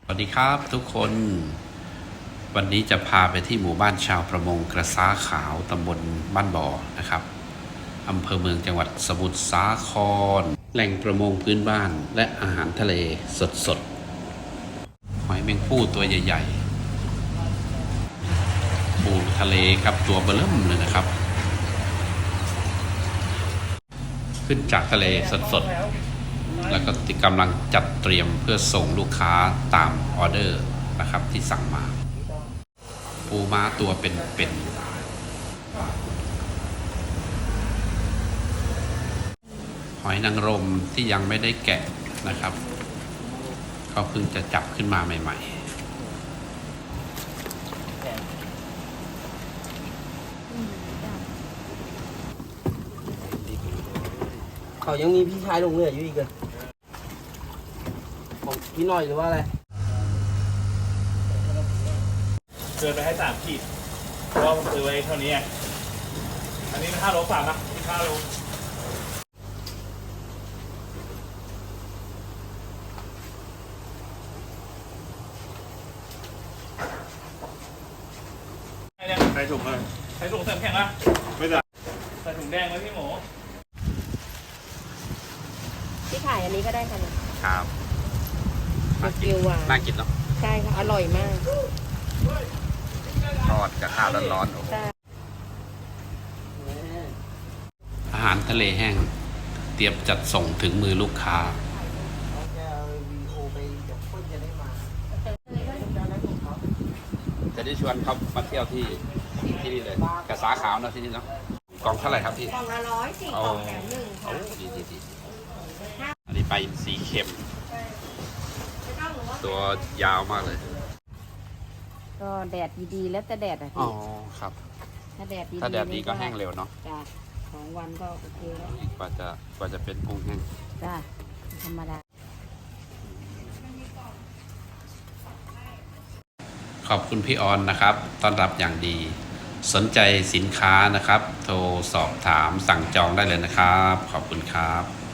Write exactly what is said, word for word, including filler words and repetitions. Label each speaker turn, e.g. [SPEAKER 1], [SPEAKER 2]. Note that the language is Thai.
[SPEAKER 1] สวัสดีครับทุกคนวันนี้จะพาไปที่หมู่บ้านชาวประมงกระซ้าขาวตำบลบ้านบ่อนะครับอำเภอเมืองจังหวัดสมุทรสาครแหล่งประมงพื้นบ้านและอาหารทะเลสดๆหอยแมงภู่ตัวใหญ่ๆปูทะเลครับตัวเบลิ่มเลยนะครับขึ้นจากทะเลสดๆแล้วก็กำลังจัดเตรียมเพื่อส่งลูกค้าตามออเดอร์นะครับที่สั่งมาปูม้าตัวเป็นๆหอยนางรมที่ยังไม่ได้แกะนะครับเขาเพิ่งจะจับขึ้นมาใหม่
[SPEAKER 2] ๆเขายังมีพี่ชายลงเรืออยู่อีกเลยของพี่น้อยหรือว่าอะไร
[SPEAKER 3] เกินไปให้สามขีดเพราะว่าผมซื้อไว้เท่านี้ไงอันนี้มันห้าโลกว่านะห้าโลใส่ถุงเลยใส่ถุงเต็มแข็งนะไม่ได้ใส่ถุงแดงไว้พี่หมู
[SPEAKER 4] ที่ขายอันนี้ก็ได้ค่ะเนี่ย
[SPEAKER 1] ครับน่ากิน
[SPEAKER 4] หวาน
[SPEAKER 1] น่ากินเนาะ
[SPEAKER 4] ใช่ค่ะ อร่อยมาก
[SPEAKER 1] ทอดกับข้าวร้อนๆโอ้โห
[SPEAKER 4] ใช่
[SPEAKER 1] อาหารทะเลแห้งเตรียมจัดส่งถึงมือลูกค้าจะได้ชวนเขามาเที่ยวที่ที่นี่เลยกระสาขาวเนาะที่นี่เนาะกล่องเท่าไหร่ครับพี่
[SPEAKER 4] กล่องละร้อยสี่กล่องแถมหนึ่งค่ะ
[SPEAKER 1] โอ้ดีดีดีอันนี้ปลาอินทรีเค็มตัวยาวมากเลย
[SPEAKER 4] ก็แดดดีๆแล้วแต่แดดอ่ะ
[SPEAKER 1] อ๋อ
[SPEAKER 4] พี่
[SPEAKER 1] ครับ
[SPEAKER 4] ถ้าแดดดีๆ
[SPEAKER 1] ถ้าแดดดีก็แห้งเร็วเนาะ
[SPEAKER 4] จ้ะสองวันก็โอเคแล้ว
[SPEAKER 1] กว่าจะกว่าจะเป็นกุ้งแห้ง
[SPEAKER 4] จ้ะธรรมดา
[SPEAKER 1] ขอบคุณพี่ออนนะครับต้อนรับอย่างดี สนใจสินค้านะครับ โทรสอบถามสั่งจองได้เลยนะครับ ขอบคุณครับ